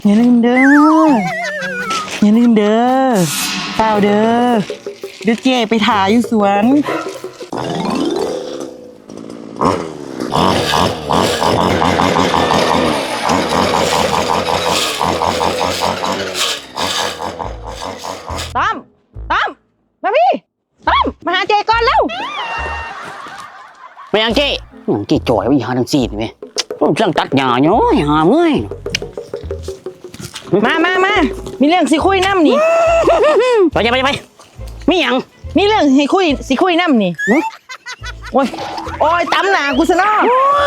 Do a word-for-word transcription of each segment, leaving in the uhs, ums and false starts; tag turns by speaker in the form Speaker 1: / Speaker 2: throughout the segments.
Speaker 1: อย่าลืมเด้ออย่าลืมเด้อเปล่าเด้อเดี๋ยวเจ๊ไปถ่ายอยู่สวนต้อมต้อมมาพี่ต้อมมาหาเจ๊ก่อนเร็ว
Speaker 2: ไปยังเจ๊ยังเจ๊จ่อยไปหาทางซีนไหมผมสั่งตัดหญ้าเนาะหาเมื่อย
Speaker 1: มามามามีเรื่องสิคุยน้ำนี่
Speaker 2: ไปไปไปมีหยัง
Speaker 1: มีเรื่องให้คุยสิคุยน้ำนี่โอ้ยโอ้ยตำหนากูซะเนาะ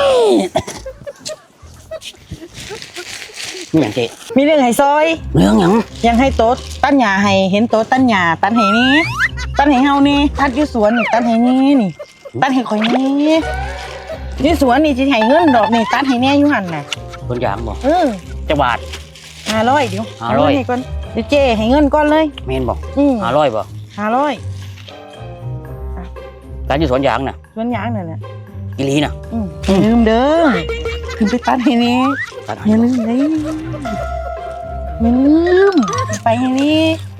Speaker 2: มีหยังเจ๊
Speaker 1: มีเรื่องให้ซอย
Speaker 2: เรื่องหยัง
Speaker 1: ยังให้โต๊ดตั้นหญ้าให้เห็นโต๊ดตั้นหญ้าตันให้นี้ตันให้เฮานี่ตัดอยู่สวนนี่ตันให้นี้นี่ตันให้ข่อยนี่อยู่สวนนี่สิให้เงินดอกนี่ตันให้แน่อยู่หั่นน่ะ
Speaker 2: คนยางบ่
Speaker 1: เออ
Speaker 2: จะบาท
Speaker 1: ห้าร้อยเดี๋ยว
Speaker 2: ห้าร้อย
Speaker 1: ให้ก่อนเดี๋ยวเจ๊ให้เงินก่อนเลย
Speaker 2: เมนบอก
Speaker 1: อืม
Speaker 2: ห้าร้อยบ่
Speaker 1: ห้าร้อย
Speaker 2: การอยู่สวนยางน่ะ
Speaker 1: สวนยางนั่นแหละ
Speaker 2: อีหลีน่ะ
Speaker 1: อืมอย่าลืมเด้อขึ้นไปตัดให้นี่อย่าลืมเลยอย่าลืมไปให้นี่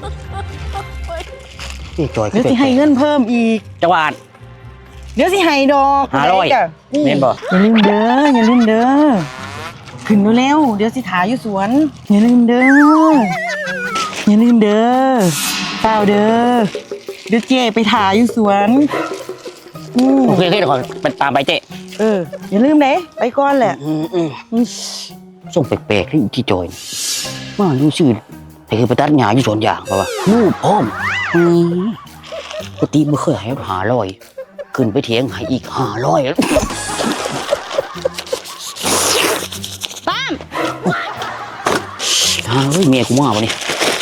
Speaker 2: เจ๊จ่อย
Speaker 1: เดี๋ยวสิให้เงินเพิ่มอีก
Speaker 2: จะบาท
Speaker 1: เดี๋ยวสิให้ดอก
Speaker 2: ห้าร้อยเมนบอก
Speaker 1: อย่าลืมเด้ออย่าลืมเด้อขึ้นเร็วเดี๋ยวสิถ่ายอยู่สวนอย่าลืมเด้ออย่าลืมเด้อเปล่าเด้อเดี๋ยวเจ๊ไปถ่ายอยู่สวน
Speaker 2: โอเคโอเคเดี๋ยวขอไปตามไปเจ๊
Speaker 1: เอออย่าลืมเด้ไปก่อนแหละ
Speaker 2: อืมอืมส่งแปลกๆที่ที่จอยว่าดูชื่อแต่คือไปตัดหญ้าอยู่สวนยางป่ะวะลูกพร้อมอืมปกติไม่เคยให้หาร้อยขึ้นไปเถียงให้อีกห้าร้อย
Speaker 3: ตั้ม
Speaker 2: เฮ้ยเมียกูมาป่ะนี่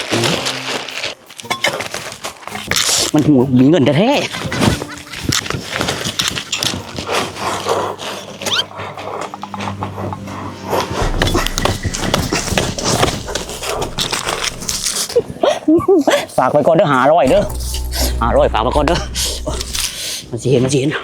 Speaker 2: มันหูมีเงินแท้ฝากไปก่อนเด้อหาร้อยเด้อหาร้อยฝากไปก่อนเด้อมันสิเห็นมันสิเห็น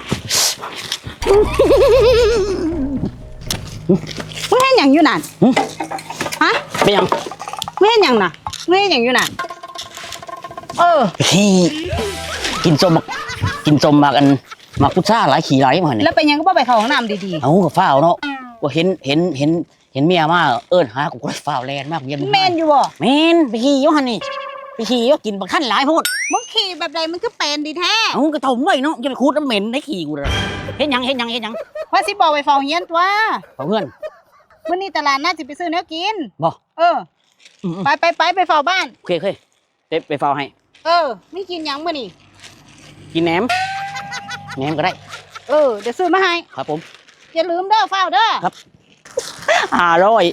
Speaker 3: มึงเห็นอย่างอยู่นั่นฮะ
Speaker 2: เป็นยัง
Speaker 3: มึงเห็นอย่างน่ะมึงเห็นอย่างอยู่นั่นเออ
Speaker 2: พี่กินส้มมากินส้มมากันมาพุทธาหลายขี่หลายมาเนี่ย
Speaker 3: แล้วเป็นยังก็บ่ไปเข้าห้องน้ำดี
Speaker 2: ๆเอากับฝ้าวเนาะว่าเห็นเห็นเห็นเห็นเมียมาเอิ้นหากูก็ฝ้าวแลนมากเมียมึง
Speaker 3: ๆแมนอยู่บ่
Speaker 2: แมนไปขี่ยหันนี่ไปขี่ยกินบักท่านหลายพูด
Speaker 3: มึงขี่แบบใดมันก็เป็นดีแท้
Speaker 2: เอากระถมไว้เนาะจะไปคูดน้ำเหม็นได้ขี่กูเลยเห็นยังเห็นยังเห็นยัง
Speaker 3: ว่าสิบอกไปเฝ้าเฮียนตัว
Speaker 2: เฝ้าเพื่อน
Speaker 3: มื้อนี้ตลาดน่าสิไปซื้อเนื้อกิน
Speaker 2: บ่
Speaker 3: เออไปไปไปไปเฝ้าบ้าน
Speaker 2: โอเคโอเคเด็บไปเฝ้าให้
Speaker 3: เออไม่กินยังมื้อนี้
Speaker 2: กินแหนมแหนมก็ได้
Speaker 3: เออเดี๋ยวซื้อมาให้
Speaker 2: ครับผม
Speaker 3: อย่าลืมเด้อเฝ้าเด้อ
Speaker 2: ครับอร่อย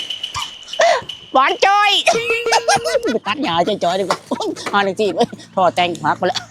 Speaker 2: หวานจอยไปตัดหญ้าจอยๆดีกว่าหาหนึ่งจีบพอแต่งพักไปแล้ว